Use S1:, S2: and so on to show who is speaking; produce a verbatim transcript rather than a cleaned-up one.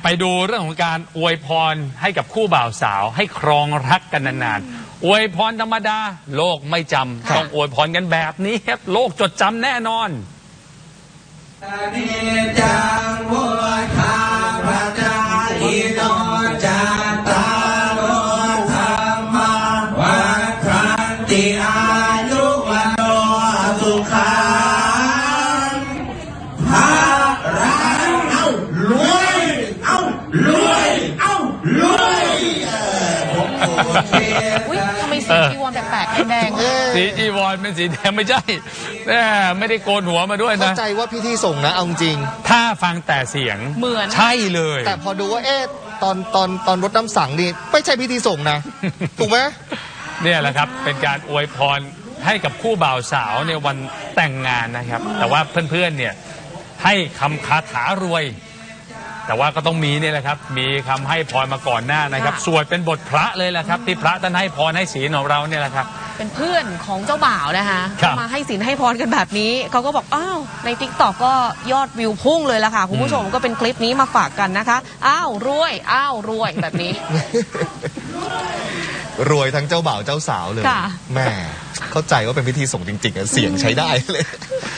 S1: ดูเรื่องของการอวยพรให้กับคู่บ่าวสาวให้ครองรักกันนานๆอวยพรธรรมดาโลกไม่จำต้องอวยพรกันแบบนี้ครับโลกจดจำแน่นอน
S2: จังวุฒาปจายิโนจัตตาโลธรรมวัฏันติอายุวันโนสุขังภารังเอารวยเอารวยเอารวย
S3: อุ้ยทำไมสีจีวรแปลกๆแดงๆ
S1: สีจีวรเป็นสีแดงไม่ใช่แม่ไม่ได้โกนหัวมาด้วยนะ
S4: เข้าใจว่าพิธีส่งนะเอาจริง
S1: ถ้าฟังแต่เสียง
S3: เหมือน
S1: ใช่เลย
S4: แต่พอดูว่าเอ๊ะตอนตอนตอนรดน้ำสังนี่ไม่ใช่พิธีส่งนะ ถูกไหม
S1: เนี่ยแหละครับเป็นการอวยพรให้กับคู่บ่าวสาวในวันแต่งงานนะครับแต่ว่าเพื่อนๆเนี่ยให้คำคาถารวยแต่ว่าก็ต้องมีนี่แหละครับมีคำให้พรมาก่อนหน้านะครับสวดเป็นบทพระเลยแหละครับที่พระท่านให้พรให้ศีลของเราเนี่ยแหละครับ
S3: เป็นเพื่อนของเจ้าบ่าวนะคะมาให้ศีลให้พรกันแบบนี้เขาก็บอกอ้าวในติ๊กต็อกก็ยอดวิวพุ่งเลยละค่ะคุณผู้ชมก็เป็นคลิปนี้มาฝากกันนะคะอ้าวรวยอ้าวรวยแบบนี้
S4: รวยทั้งเจ้าบ่าวเจ้าสาวเลยแม่เข้าใจว่าเป็นพิธีส่งจริงๆเสียงใช้ได้เลย